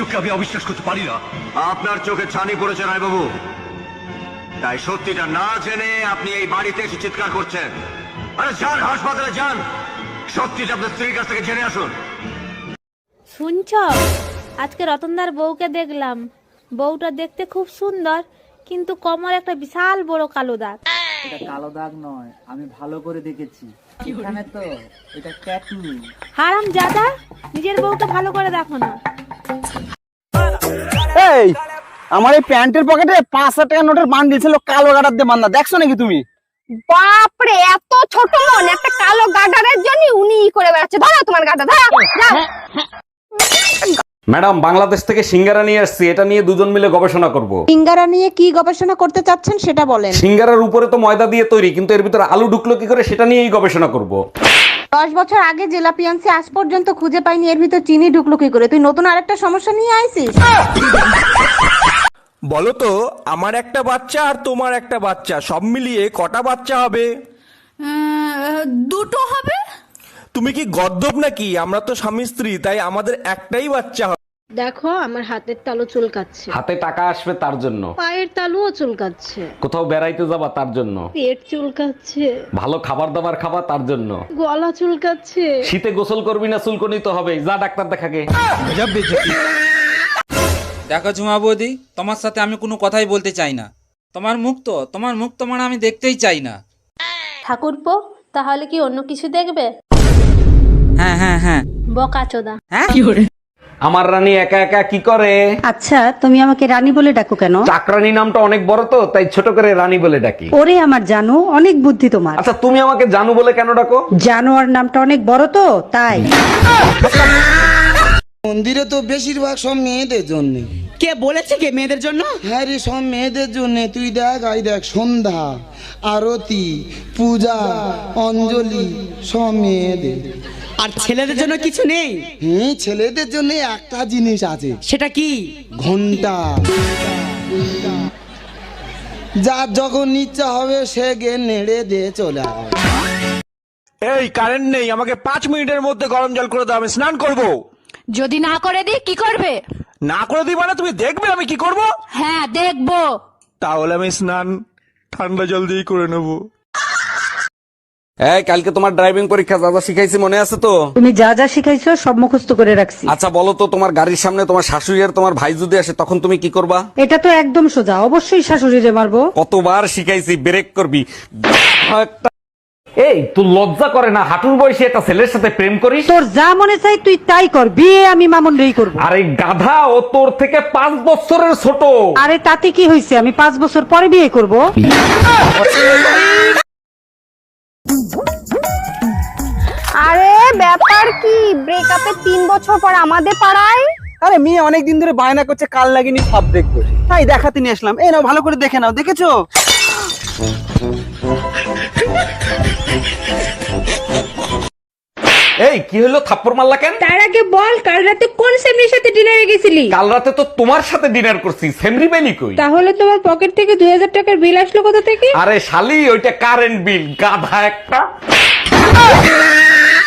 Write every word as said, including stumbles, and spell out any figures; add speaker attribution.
Speaker 1: চোখকে আমি অবিশ্বাস করতে পারি না।
Speaker 2: আপনার চোখে ছানি পড়েছে রায় বাবু, তাই সত্যিটা না জেনে আপনি এই বাড়িতে এসে চিৎকার করছেন। আরে যান হাসপাতালে যান, সত্যিটা আপনার স্ত্রীর কাছ থেকে জেনে আসুন।
Speaker 3: শুনছ, আজকে রতনদার বউকে দেখলাম। বউটা দেখতে খুব সুন্দর, কিন্তু কোমর একটা বিশাল বড় কালো দাগ।
Speaker 4: এটা কালো দাগ নয়, আমি ভালো করে দেখেছি। এখানে তো এটা ট্যাটু।
Speaker 3: হারাম জাদা, নিজের বউকে ভালো করে দেখো না।
Speaker 5: এই আমার এই প্যান্টের পকেটে পাঁচ হাজার টাকা নোটের বান্ডিল ছিল, কালো গাডার দিয়ে বান্ধা। দেখছো নাকি তুমি?
Speaker 6: বাপরে, এত ছোট মন, একটা কালো গাডারের জন্য উনি ই করে বেড়াচ্ছে। ধরো তোমার গাডা, ধরো যাও।
Speaker 7: ম্যাডাম, বাংলাদেশ থেকে সিঙ্গারা নিয়ে আসছি, এটা নিয়ে দুজন মিলে গবেষণা করব।
Speaker 8: সিঙ্গারা নিয়ে কি গবেষণা করতে চাচ্ছেন সেটা বলেন।
Speaker 7: সিঙ্গারার উপরে তো ময়দা দিয়ে তৈরি, কিন্তু এর ভিতরে আলু ঢুকলো কি করে সেটা নিয়েই গবেষণা করব।
Speaker 8: দশ বছর আগে জেলাপিয়ান্সি আজ পর্যন্ত খুঁজে পাইনি, এর ভিতর চিনি ঢুকলো কি করে? তুই নতুন আরেকটা সমস্যা নিয়ে আইছিস।
Speaker 9: বলো তো, আমার একটা বাচ্চা আর তোমার একটা বাচ্চা, সব মিলিয়ে কটা বাচ্চা হবে?
Speaker 6: দুটো হবে।
Speaker 9: তুমি কি গদ্দপ নাকি? আমরা তো স্বামী স্ত্রী, তাই আমাদের একটাই বাচ্চা হবে।
Speaker 10: দেখো, আমার হাতের তালু চুলকাচ্ছে,
Speaker 7: হাতে টাকা আসবে তার জন্য,
Speaker 10: পায়ের তালুও চুলকাচ্ছে,
Speaker 7: কোথাও বেড়াইতে যাবা তার জন্য,
Speaker 10: পেট চুলকাচ্ছে,
Speaker 7: ভালো খাবার দাবার খাবা তার জন্য,
Speaker 10: গলা চুলকাচ্ছে।
Speaker 7: শীতে গোসল করবি না চুলকনি তো হবে, যা ডাক্তার দেখাকে।
Speaker 11: দেখো ঝুমা বৌদি, তোমার সাথে আমি কোনো কথাই বলতে চাই না। তোমার মুখ তো তোমার মুখ তোমার আমি দেখতেই চাই না।
Speaker 3: ঠাকুরপো, তাহলে কি অন্য কিছু দেখবে?
Speaker 11: হ্যাঁ হ্যাঁ হ্যাঁ।
Speaker 3: বকা চোদা।
Speaker 11: হ্যাঁ,
Speaker 7: আমার রানী একা একা কি করে?
Speaker 8: আচ্ছা, তুমি আমাকে রানী বলে ডাকো কেন?
Speaker 7: চাকরানী নামটা অনেক বড় তো, তাই ছোট করে রানী বলে ডাকি।
Speaker 8: ওরে আমার জানো, অনেক বুদ্ধি তোমার।
Speaker 7: আচ্ছা, তুমি আমাকে জানু বলে কেন ডাকো?
Speaker 8: জানোয়ার নামটা অনেক বড় তো, তাই।
Speaker 5: মন্দিরে তো বেশিরভাগ সব মেয়েদের জন্য।
Speaker 4: কে বলেছে কে মেয়েদের জন্য?
Speaker 5: হ্যাঁ রে, সব মেয়েদের জন্য। তুই দেখ, আই দেখ, সন্ধ্যা, আরতি, পূজা, অঞ্জলি সব মেয়েদের।
Speaker 4: আর ছেলেদের জন্য কিছু নেই?
Speaker 5: হুম, ছেলেদের জন্য একটা জিনিস আছে।
Speaker 4: সেটা কি?
Speaker 5: ঘন্টা। যার যখন ইচ্ছা হবে সে গে নেড়ে দিয়ে চলে আসবে।
Speaker 9: এই কারেন্ট নেই, আমাকে পাঁচ মিনিটের মধ্যে গরম জল করে দাও, আমি স্নান করব।
Speaker 6: যদি না করে দিই কি করবে?
Speaker 9: না করে দিই মানে তুমি দেখবে আমি কি করব?
Speaker 6: হ্যাঁ, দেখবো।
Speaker 9: তাহলে আমি স্নান ঠান্ডা জল দিয়ে করে নেবো।
Speaker 7: এই, কালকে তোমার ড্রাইভিং পরীক্ষা, যা যা শিখাইছি মনে আছে তো?
Speaker 8: তুমি যা যা শিখাইছো সব মুখস্থ করে রাখছি।
Speaker 7: আচ্ছা বলো তো, তোমার গাড়ির সামনে তোমার শাশুড়ি আর তোমার ভাই যদি আসে তখন তুমি কি করবা?
Speaker 8: এটা তো একদম সোজা, অবশ্যই শাশুড়িরে মারবো।
Speaker 7: কতবার শিখাইছি, ব্রেক করবি। এই, তুই লজ্জা করে না হাঁটুর বয়সে একটা ছেলের সাথে প্রেম করিস?
Speaker 8: তোর যা মনে চাই তুই তাই কর, বিয়ে আমি মামুন রেই করবো।
Speaker 7: আরে গাধা, ও তোর থেকে পাঁচ বছরের ছোট।
Speaker 8: আরে তাতে কি হয়েছে, আমি পাঁচ বছর পরে বিয়ে করব।
Speaker 6: আরে ব্যাপার কি, ব্রেকআপে তিন বছর পর আমাদের পাড়ায়?
Speaker 5: আরে মেয়ে অনেকদিন ধরে বায়না করছে কাল লাগিনি সব দেখবো, তাই দেখাতে নিয়ে আসলাম। এই নাও, ভালো করে দেখে নাও। দেখেছো?
Speaker 7: এই কি হলো, থাপ্পড় মারলা কেন?
Speaker 3: তার আগে বল, কাল রাতে কোন সেমরির সাথে ডিনারে গেছিলি?
Speaker 7: কাল রাতে তো তোমার সাথে ডিনার করছি, সেমরি বেনি কই?
Speaker 3: তাহলে তোমার পকেট থেকে দুই হাজার টাকার বিল আসলো কোথা থেকে?
Speaker 7: আরে শালি, ওইটা কারেন্ট বিল, গাধা একটা।